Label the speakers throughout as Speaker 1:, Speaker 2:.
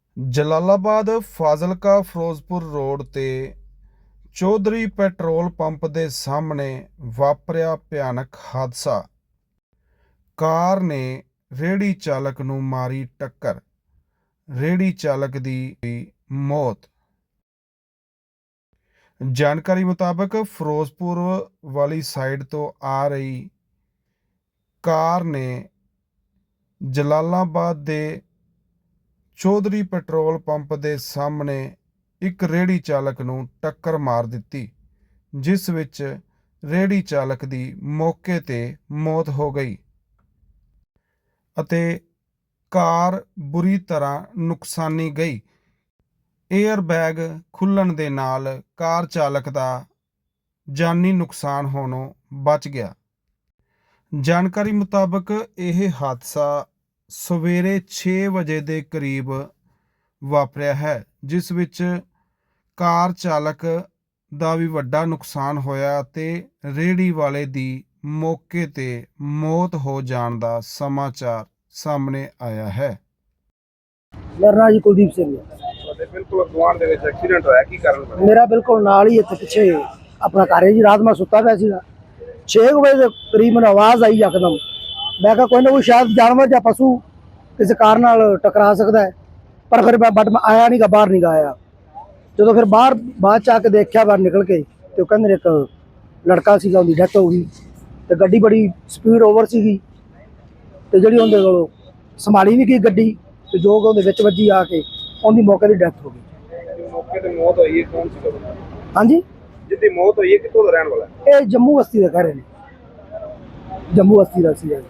Speaker 1: Jalalabad Fazilka Firozpur road ਤੇ Chaudhary petrol pump ਦੇ ਸਾਹਮਣੇ ਵਾਪਰਿਆ ਭਿਆਨਕ ਹਾਦਸਾ। ਕਾਰ ਨੇ ਰੇਹੜੀ ਚਾਲਕ ਨੂੰ ਮਾਰੀ ਟੱਕਰ, ਰੇਹੜੀ ਚਾਲਕ ਦੀ ਹੋਈ ਮੌਤ। ਜਾਣਕਾਰੀ ਮੁਤਾਬਕ ਫਿਰੋਜ਼ਪੁਰ ਵਾਲੀ ਸਾਈਡ ਤੋਂ ਆ ਰਹੀ ਕਾਰ ਨੇ ਜਲਾਲਾਬਾਦ ਦੇ ਚੌਧਰੀ ਪੈਟਰੋਲ ਪੰਪ ਦੇ ਸਾਹਮਣੇ ਇੱਕ ਰੇਹੜੀ ਚਾਲਕ ਨੂੰ ਟੱਕਰ ਮਾਰ ਦਿੱਤੀ, ਜਿਸ ਵਿੱਚ ਰੇਹੜੀ ਚਾਲਕ ਦੀ ਮੌਕੇ 'ਤੇ ਮੌਤ ਹੋ ਗਈ ਅਤੇ ਕਾਰ ਬੁਰੀ ਤਰ੍ਹਾਂ ਨੁਕਸਾਨੀ ਗਈ। ਏਅਰ ਬੈਗ ਖੁੱਲ੍ਹਣ ਦੇ ਨਾਲ ਕਾਰ ਚਾਲਕ ਦਾ ਜਾਨੀ ਨੁਕਸਾਨ ਹੋਣੋਂ ਬਚ ਗਿਆ। ਜਾਣਕਾਰੀ ਮੁਤਾਬਕ ਇਹ ਹਾਦਸਾ ਸਵੇਰੇ 6 ਵਜੇ ਦੇ ਕਰੀਬ ਵਾਪਰਿਆ ਹੈ, ਜਿਸ ਵਿੱਚ ਕਾਰ ਚਾਲਕ ਦਾ ਵੀ ਵੱਡਾ ਨੁਕਸਾਨ ਹੋਇਆ ਅਤੇ ਰੇਹੜੀ ਵਾਲੇ ਦੀ ਮੌਕੇ 'ਤੇ ਮੌਤ ਹੋ ਜਾਣ ਦਾ ਸਮਾਚਾਰ ਸਾਹਮਣੇ ਆਇਆ ਹੈ।
Speaker 2: ਮੇਰਾ ਨਾਂ ਜੀ ਕੁਲਦੀਪ ਸਿੰਘ ਹੈ।
Speaker 3: ਤੁਹਾਡੇ ਬਿਲਕੁਲ ਗੁਆਂਢ ਦੇ ਵਿੱਚ ਐਕਸੀਡੈਂਟ ਹੋਇਆ, ਕੀ ਕਾਰਨ ਬਣਿਆ?
Speaker 2: ਮੇਰਾ ਬਿਲਕੁਲ ਨਾਲ ਹੀ ਇੱਥੇ ਪਿੱਛੇ ਆਪਣਾ ਘਰ ਹੈ ਜੀ। ਰਾਤ ਮੈਂ ਸੁੱਤਾ ਪਿਆ ਸੀਗਾ, 6 ਵਜੇ ਦੇ ਕਰੀਬ ਮੈਨੂੰ ਆਵਾਜ਼ ਆਈ ਯਕਦਮ। ਮੈਂ ਕਿਹਾ ਕੋਈ ਨਾ ਕੋਈ ਸ਼ਾਇਦ ਜਾਨਵਰ ਜਾਂ ਪਸ਼ੂ ਕਿਸੇ ਕਾਰ ਨਾਲ ਟਕਰਾ ਸਕਦਾ ਹੈ, ਪਰ ਫਿਰ ਮੈਂ ਆਇਆ ਨਹੀਂ ਗਾ, ਬਾਹਰ ਨਹੀਂ ਗਾ ਆਇਆ। ਜਦੋਂ ਫਿਰ ਬਾਅਦ 'ਚ ਆ ਕੇ ਦੇਖਿਆ, ਬਾਹਰ ਨਿਕਲ ਕੇ, ਤੇ ਉਹ ਕਹਿੰਦੇ ਇੱਕ ਲੜਕਾ ਸੀਗਾ, ਉਹਦੀ ਡੈਥ ਹੋ ਗਈ। ਤੇ ਗੱਡੀ ਬੜੀ ਸਪੀਡ ਓਵਰ ਸੀਗੀ ਤੇ ਜਿਹੜੀ ਉਹਦੇ ਕੋਲੋਂ ਸੰਭਾਲੀ ਨਹੀਂ ਗਈ ਗੱਡੀ, ਤੇ ਜੋ ਕਿ ਉਹਦੇ ਵਿੱਚ ਵੱਜੀ ਆ ਕੇ ਉਹਦੀ ਮੌਕੇ ਦੀ ਡੈਥ ਹੋ ਗਈ।
Speaker 3: ਮੌਕੇ ਤੇ ਮੌਤ ਹੋਈ ਹੈ, ਕੌਣ ਸੀ ਬੰਦਾ?
Speaker 2: ਹਾਂਜੀ,
Speaker 3: ਜਿੱਦੀ ਮੌਤ ਹੋਈ ਹੈ ਕਿੱਥੋਂ ਦਾ ਰਹਿਣ ਵਾਲਾ ਹੈ?
Speaker 2: ਇਹ ਜੰਮੂ ਬਸਤੀ ਦਾ ਕਹਿ ਰਹੇ ਨੇ, ਜੰਮੂ ਬਸਤੀ ਦਾ ਸੀ।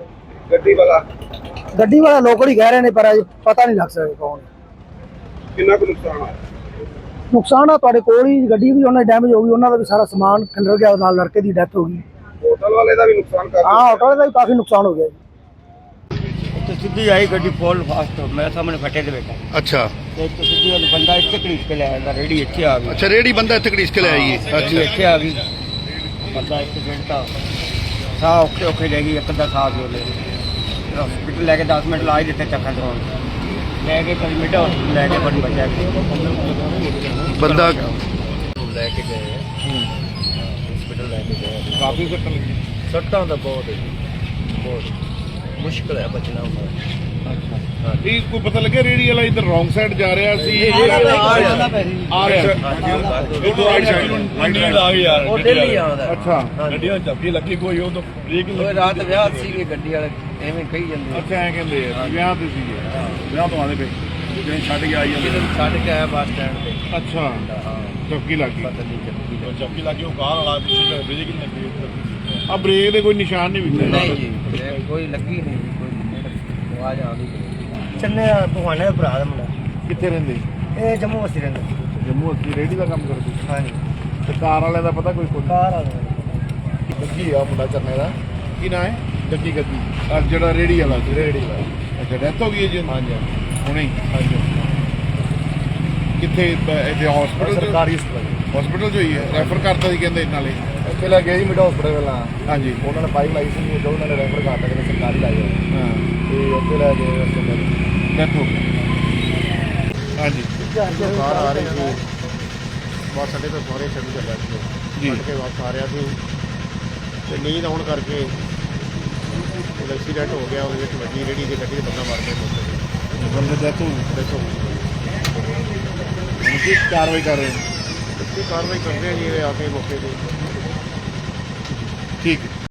Speaker 3: ਗੱਡੀ
Speaker 2: ਵਾਲਾ ਲੋਕਲ ਹੀ ਕਹਿ ਰਹੇ ਨੇ, ਪਰ ਅਜੇ ਪਤਾ ਨਹੀਂ ਲੱਗ ਸਕਦਾ ਕੌਣ।
Speaker 3: ਕਿੰਨਾ ਕੁ ਨੁਕਸਾਨ ਹੋਇਆ?
Speaker 2: ਨੁਕਸਾਨ ਆ ਤੁਹਾਡੇ ਕੋਲ ਹੀ, ਗੱਡੀ ਵੀ ਉਹਨਾਂ ਦੀ ਡੈਮੇਜ ਹੋ ਗਈ, ਉਹਨਾਂ ਦਾ ਵੀ ਸਾਰਾ ਸਮਾਨ ਖਿਲਰ ਗਿਆ, ਨਾਲ ਲੜਕੇ ਦੀ ਡੈਥ ਹੋ ਗਈ।
Speaker 3: ਹੋਟਲ ਵਾਲੇ ਦਾ ਵੀ ਨੁਕਸਾਨ ਕਰ
Speaker 2: ਹਾਂ, ਹੋਟਲ ਦਾ ਵੀ ਕਾਫੀ ਨੁਕਸਾਨ ਹੋ ਗਿਆ ਜੀ।
Speaker 4: तो सीधी आई गड्डी फॉल फास्ट मेरे सामने फटे थे बेटा।
Speaker 5: अच्छा
Speaker 4: तो सीधी वाली बंदा इतने घड़ीस के ले आया, रेडी इतने आ गई।
Speaker 5: अच्छा रेडी बंदा इतने घड़ीस के ले आई है।
Speaker 4: रेडी
Speaker 5: अच्छा
Speaker 4: इतने आ गई, बंदा एक्सीडेंट था, साह औखे औखे ले गई, एक अद्धा साह जो ले हॉस्पिटल लैके 10 मिनट ला ही देते, चक्कर दौड़ लैके कभी मिडा हॉस्पिटल लैके बड़ी बचा के
Speaker 5: बंदा
Speaker 4: लैके गए हॉस्पिटल लैके गए। काफ़ी सट्टा तो बहुत मुश्किल है बचना हुआ।
Speaker 5: ਇਹ ਕੋਈ ਪਤਾ ਲੱਗਿਆ ਰੇੜੀ ਵਾਲਾ ਇਧਰ ਰੋਂਗ ਸਾਈਡ ਜਾ ਰਿਹਾ ਸੀ,
Speaker 4: ਆ ਰਿਹਾ
Speaker 5: ਮੰਡੀ ਲਾ ਗਿਆ ਯਾਰ।
Speaker 4: ਉਹ ਦਿੱਲੀ ਆਉਂਦਾ।
Speaker 5: ਅੱਛਾ
Speaker 3: ਗੱਡੀਆਂ ਚੱਪੀ ਲੱਗੀ ਕੋਈ ਉਹ ਤਾਂ ਬ੍ਰੇਕ
Speaker 4: ਉਹ ਰਾਤ ਵਿਆਹ ਸੀਗੇ, ਗੱਡੀ ਵਾਲੇ ਐਵੇਂ ਕਹੀ ਜਾਂਦੇ।
Speaker 5: ਅੱਛਾ ਐ ਕਹਿੰਦੇ ਆ ਵਿਆਹ ਤੇ ਸੀਗੇ, ਵਿਆਹ ਤੋਂ ਆਉਂਦੇ ਪਏ ਜਿਹੜੇ ਛੱਡ ਕੇ ਆਈ ਜਾਂਦੇ।
Speaker 4: ਛੱਡ ਕੇ ਆਇਆ ਬੱਸ ਸਟੈਂਡ ਤੇ।
Speaker 5: ਅੱਛਾ
Speaker 4: ਹਾਂ,
Speaker 5: ਚੌਕੀ ਲੱਗ ਗਈ।
Speaker 4: ਪਤਾ ਨਹੀਂ
Speaker 3: ਚੱਪੀ ਲੱਗੀ, ਉਹ ਕਾਰ ਵਾਲਾ ਪਿੱਛੇ ਬ੍ਰੇਕ ਨਹੀਂ ਲੱਗੀ।
Speaker 5: ਆ ਬ੍ਰੇਕ ਦੇ ਕੋਈ ਨਿਸ਼ਾਨ ਨਹੀਂ ਵਿਖੇ।
Speaker 4: ਨਹੀਂ ਜੀ, ਕੋਈ ਲੱਗੀ ਨਹੀਂ, ਕੋਈ ਆਵਾਜ਼ ਆਉਂਦੀ ਚੰਨੇ ਭਗਵਾਨੇ ਦਾ ਭਰਾ ਦਾ ਮੁੰਡਾ।
Speaker 5: ਕਿੱਥੇ ਰਹਿੰਦੇ?
Speaker 4: ਇਹ ਜੰਮੂ ਵਸੀ ਰਹਿੰਦਾ।
Speaker 5: ਜੰਮੂ ਅਸੀਂ ਰੇੜੀ ਦਾ ਕੰਮ ਕਰਦੇ।
Speaker 4: ਹਾਂਜੀ,
Speaker 5: ਤੇ ਕਾਰ ਵਾਲਿਆਂ ਦਾ ਪਤਾ ਕੋਈ
Speaker 4: ਕਾਰ ਵਾਲਾ
Speaker 5: ਗੱਗੀ ਆ ਮੁੰਡਾ ਚਰਨੇ ਦਾ, ਕੀ ਨਾਂ ਹੈ? ਗੱਗੀ ਆ ਜਿਹੜਾ ਰੇੜੀ ਵਾਲਾ ਸੀ। ਰੇੜੀ ਵਾਲਾ। ਅੱਛਾ ਡੈਥ ਹੋ ਗਈ ਹੈ ਜੀ?
Speaker 4: ਹਾਂਜੀ
Speaker 5: ਹੁਣੇ ਹੀ?
Speaker 4: ਹਾਂਜੀ।
Speaker 5: ਕਿੱਥੇ ਇੱਥੇ ਹਸਪੀਟਲ?
Speaker 4: ਸਰਕਾਰੀ
Speaker 5: ਹਸਪੀਟਲ 'ਚ ਹੋਈ ਹੈ? ਰੈਫਰ ਕਰਤਾ ਸੀ ਕਹਿੰਦੇ ਨਾਲੇ।
Speaker 4: ਇੱਥੇ ਲੈ ਗਏ ਜੀ ਮਿਡ ਹਸਪੀਟਲ ਪਹਿਲਾਂ।
Speaker 5: ਹਾਂਜੀ
Speaker 4: ਉਹਨਾਂ ਨੇ ਪਾਈਪ ਲਾਈ ਸੀ, ਜੋ ਉਹਨਾਂ ਨੇ ਰੈਫਰ ਕਰਤਾ ਕਿ ਸਰਕਾਰੀ ਲਾਈ ਹੋਈ,
Speaker 5: ਹਾਂ
Speaker 4: ਤੇ ਉੱਥੇ ਲੈ ਗਏ।
Speaker 5: ਡੈਥ ਹੋ ਗਈ। ਹਾਂਜੀ
Speaker 4: ਕਾਰ ਆ ਰਹੀ ਸੀ ਬਸ ਸਾਡੇ ਤੋਂ ਸਾਰੇ ਛੱਡ ਚੱਲਿਆ ਸੀ
Speaker 5: ਜੀ।
Speaker 4: ਛੱਡ ਕੇ ਵਾਪਸ ਆ ਰਿਹਾ ਸੀ, ਤੇ ਨੀਂਦ ਆਉਣ ਕਰਕੇ ਐਕਸੀਡੈਂਟ ਹੋ ਗਿਆ। ਉਹਦੇ ਵਿੱਚ ਵੱਡੀ ਰੇੜੀ ਦੀ ਗੱਡੀ ਦੇ ਬੰਦਾ ਮਾਰ ਕੇ ਮੁੱਕ
Speaker 5: ਬੰਦੇ ਡੈਥ ਹੋ ਗਈ।
Speaker 4: ਦੇਖੋ
Speaker 5: ਹੁਣ ਕੀ ਕਾਰਵਾਈ ਕਰ ਰਹੇ ਨੇ?
Speaker 4: ਕਾਰਵਾਈ ਕਰਦੇ ਆ ਜੀ, ਇਹ ਆ ਕੇ ਮੌਕੇ ਤੇ।
Speaker 5: ਠੀਕ ਹੈ।